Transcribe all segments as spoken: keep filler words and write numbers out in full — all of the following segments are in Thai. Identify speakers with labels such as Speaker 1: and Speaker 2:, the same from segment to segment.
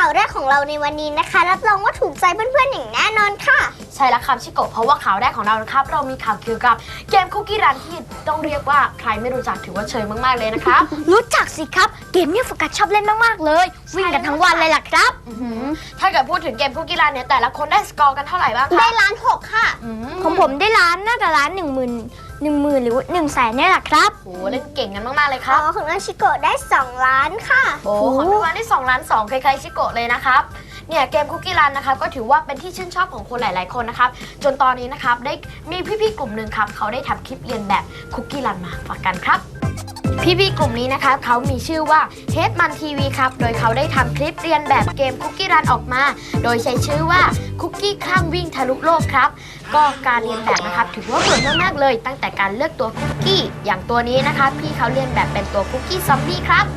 Speaker 1: าวแรกของเราในวันนี้นะคะรับรองว่าถูกใจเพื่อนๆอย่างแน่นอนค่ะ
Speaker 2: ใช่แล้วครับชิโกะเพราะว่าข่าวแรกของเรานะครับเรามีข่าวเกี่ยวกับเกมคุกกี้รันที่ต้องเรียกว่าใครไม่รู้จักถือว่าเชยมากๆเลยนะครับ
Speaker 3: รู้จักสิครับเกมนี้โฟกัสชอบเล่นมากๆเลยวิ่งกันทั้งวันเลยล่ะครับ
Speaker 2: ถ้าเกิดพูดถึงเกมคุกกี้รันเนี่ยแต่ละคนได้สกอร์กันเท่าไหร่บ้างคะ
Speaker 1: ได้ล้านหกค่ะ
Speaker 3: ของผมได้ล้านน่าจะล้านหนึ่งหมื่นหนึ่งหมื่นหรือหนึ่งแสนเนี่ยแหละครับ
Speaker 2: โอ้เล่นเก่งกันมากๆเลยค
Speaker 1: อ๋
Speaker 2: รั
Speaker 1: อบ ของน้องชิโกะได้สองล้านค่ะ
Speaker 2: โอ้ของพี่วานได้สองล้านสองคล้ายๆชิโกะเลยนะครับเนี่ยเกมคุกกี้รันนะครับก็ถือว่าเป็นที่ชื่นชอบของคนหลายๆคนนะครับจนตอนนี้นะครับได้มีพี่ๆกลุ่มหนึ่งครับเขาได้ทำคลิปเรียนแบบคุกกี้รันมาฝากกันครับพี่ๆกลุ่มนี้นะครับเขามีชื่อว่าเฮดมันทีวีครับโดยเขาได้ทำคลิปเรียนแบบเกมคุกกี้รันออกมาโดยใช้ชื่อว่าคุกกี้ข้ามวิ่งทะลุโลกครับก็การเรียนแบบนะครับถือว่าโหดมากๆเลยตั้งแต่การเลือกตัวคุกกี้อย่างตัวนี้นะคะพี่เขาเรียนแบบเป็นตัวคุกกี้ซอมบี้ครับ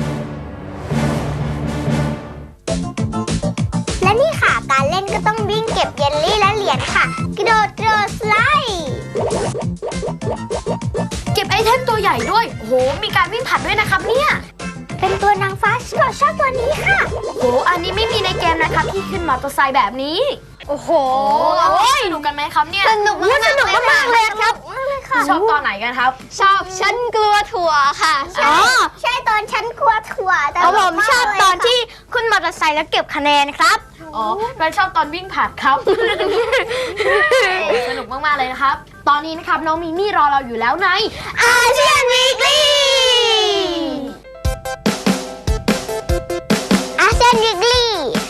Speaker 1: และนี่ค่ะการเล่นก็ต้องวิ่งเก็บเยลลี่และเหรียญค่ะกระโดดกระโดดสไลด์
Speaker 2: เก็บไอเทมตัวใหญ่ด้วยโอ้โหมีการวิ่งผลัดด้วยนะครับเนี่ย
Speaker 1: เป็นตัวนางฟ้าชิโกะชอบตัวนี้ค่ะ
Speaker 2: โอ้อันนี้ไม่มีในเกมนะครับที่ขึ้นมอเตอร์ไซค์แบบนี้
Speaker 3: โอ้โห
Speaker 2: สนุกกันไหมครับเนี่ย
Speaker 3: สนุกสนุกมากเลยครับ
Speaker 2: ชอบตอนไหนกันครับ
Speaker 3: ชอบฉันกลัวถั่วค่ะ
Speaker 1: อ๋อใช่ตอนฉันกลัวถั่วแต่
Speaker 3: ผมชอบตอนที่ขึ้นมอเตอร์ไซค์แล้วเก็บคะแนนครับ
Speaker 2: อ๋อเราชอบตอนวิ่งผลัดครับสนุกมากๆเลยนะครับตอนนี้นะครับน้องมีมี่รอเราอยู่แล้วใน
Speaker 1: อาเซียนวีคลี่อาเซียนวีคลี่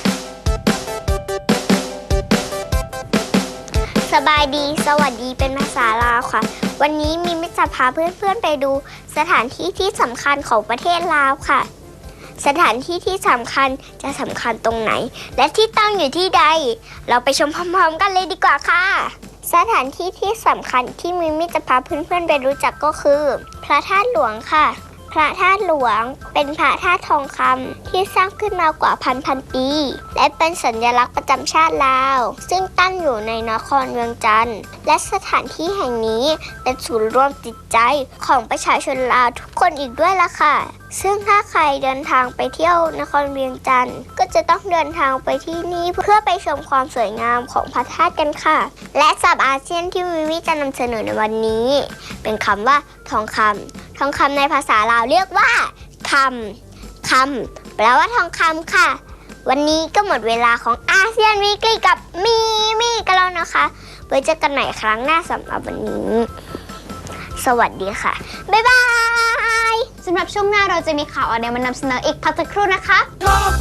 Speaker 1: สบายดีสวัสดีเป็นภาษาลาวค่ะวันนี้มีมิตรจะพาเพื่อนๆไปดูสถานที่ที่สำคัญของประเทศลาวค่ะสถานที่ที่สำคัญจะสำคัญตรงไหนและที่ตั้งอยู่ที่ใดเราไปชมพร้อมๆกันเลยดีกว่าค่ะสถานที่ที่สำคัญที่มิมิจะพาเพื่อนๆไปรู้จักก็คือพระธาตุหลวงค่ะพระธาตุหลวงเป็นพระธาตุทองคำที่สร้างขึ้นมากว่าพันพันปีและเป็นสัญลักษณ์ประจำชาติลาวซึ่งตั้งอยู่ในนครเวียงจันทร์และสถานที่แห่งนี้เป็นศูนย์รวมจิตใจของประชาชนลาวทุกคนอีกด้วยล่ะค่ะซึ่งถ้าใครเดินทางไปเที่ยวนครเวียงจันทร์ก็จะต้องเดินทางไปที่นี่เพื่อไปชมความสวยงามของพระธาตุกันค่ะและศัพท์อาเซียนที่มิมิจะนำเสนอในวันนี้เป็นคำว่าทองคำทองคำในภาษาลาวเรียกว่าคำคำแปลว่าทองคำค่ะวันนี้ก็หมดเวลาของอาเซียนวีคลี่กับมิมิกันแล้วนะคะไว้เจอกันใหม่ครั้งหน้าสำหรับวันนี้สวัสดีค่ะบ๊ายบาย
Speaker 3: สำหรับช่วงหน้าเราจะมีข่าวอะไรมานำเสนออีกพักสักครู่นะคะ
Speaker 4: Go